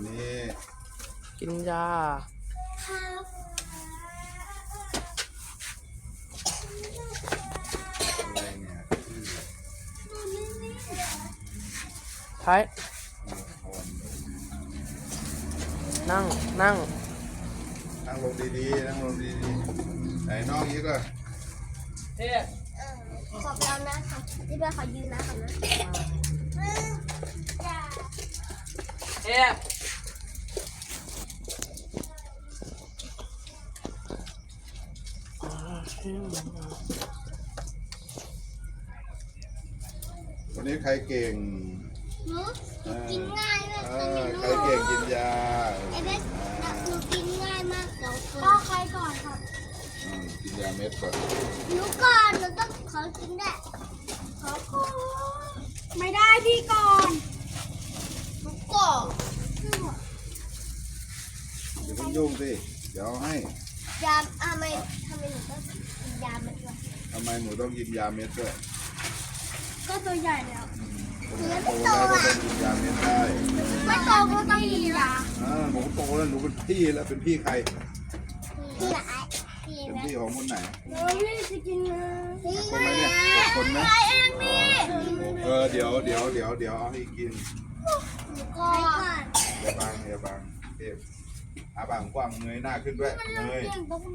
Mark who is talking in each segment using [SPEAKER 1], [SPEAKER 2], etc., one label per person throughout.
[SPEAKER 1] นี้
[SPEAKER 2] กินยา
[SPEAKER 1] อะไรเนี่ย
[SPEAKER 2] ใช้นั่ง
[SPEAKER 1] นั่งลงดีๆนั่งลงดีๆไหนน้องอีกอ่ะ
[SPEAKER 3] ขอบเรานะที่บ้านขอยืนนะก่อนนะ
[SPEAKER 1] วันนี้ใครเก่ง
[SPEAKER 3] หนูกินง่ายมาก
[SPEAKER 1] ใครเก่งกินยา
[SPEAKER 3] ไอ้เบสหนูกินง่ายมากสองคนพ่อใครก่อนครับ
[SPEAKER 1] กินยาเม็ดก่อน
[SPEAKER 3] หนูก่อนหนูต้องขอกินได้ขอก่อนไม่ได้พี่ก่อนหนูก่อน
[SPEAKER 1] อย่าเพิ่งยุ่งสิเดี๋ยวให้
[SPEAKER 3] ยาทำไมหนูต้องกินยาเม็ดด้วย
[SPEAKER 1] ทำไมหนูต้องกินยาเม็ดด้วย
[SPEAKER 3] ก็ตัวใหญ่แล้ว
[SPEAKER 1] โตแล้วก็ต้องกินยาเม็ดได้
[SPEAKER 3] ไม่โตก็ต้องกินยา
[SPEAKER 1] หนูโตแล้วหนูเป็นพี่แล้วเป็นพี่ใคร
[SPEAKER 3] พี่ไหน
[SPEAKER 1] เป็นพี่ของคนไหน
[SPEAKER 3] พี่จะกินนะพี่
[SPEAKER 1] คนไหนเนี่ยคนไหม
[SPEAKER 3] เองพี่
[SPEAKER 1] เดี๋ยวเอาให้กิน
[SPEAKER 3] ก่อน
[SPEAKER 1] อย่าบังเทพบางกว้างเงยหน้าขึ้นด้วยเงย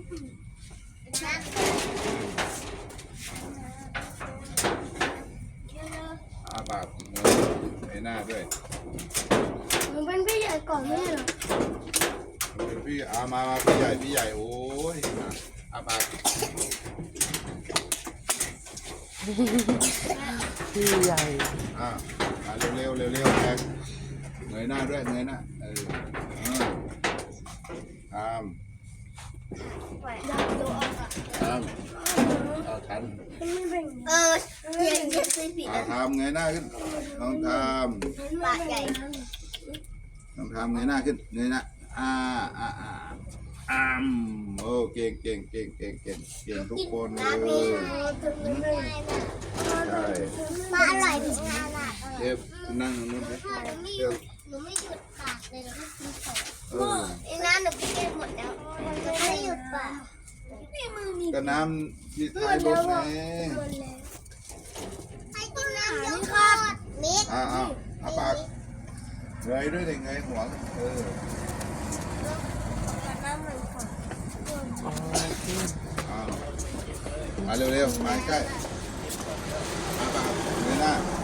[SPEAKER 1] ปากเงยหน้าด้วย
[SPEAKER 3] หนูเป็นพี่ใหญ่ก่อนไม่เหรอ
[SPEAKER 1] เป็นพี่มาพี่ใหญ่โอ้ยปาก
[SPEAKER 2] พี่ใหญ่
[SPEAKER 1] เร็วแรงเงยหน้าด้วยเงยหน้าทัน
[SPEAKER 3] อย่างนี้สิ
[SPEAKER 1] ทำเงยหน้าขึ้นต้องท
[SPEAKER 3] ำปากใหญ่
[SPEAKER 1] ต้องทำเงยหน้าขึ้นเงยหน้าโอ้เก่งทุกคนเลยใช่
[SPEAKER 3] มาอร่อยถึงขนาด
[SPEAKER 1] เทพนั่งนู่นไป
[SPEAKER 3] หนูไม่หยุดปากเลยหนูไม่กินของไอ้น้ำหนูกินหมดแล้วไม่หยุดปาก
[SPEAKER 1] ก็น้ำที่ท้ายรถไง
[SPEAKER 3] ให้กินน้ำเยอะครับมิด
[SPEAKER 1] ปากเงยด้วยเงยหัว
[SPEAKER 3] น้ำมันก่อน
[SPEAKER 1] มาเร็วมาใกล้ปากเงยหน้า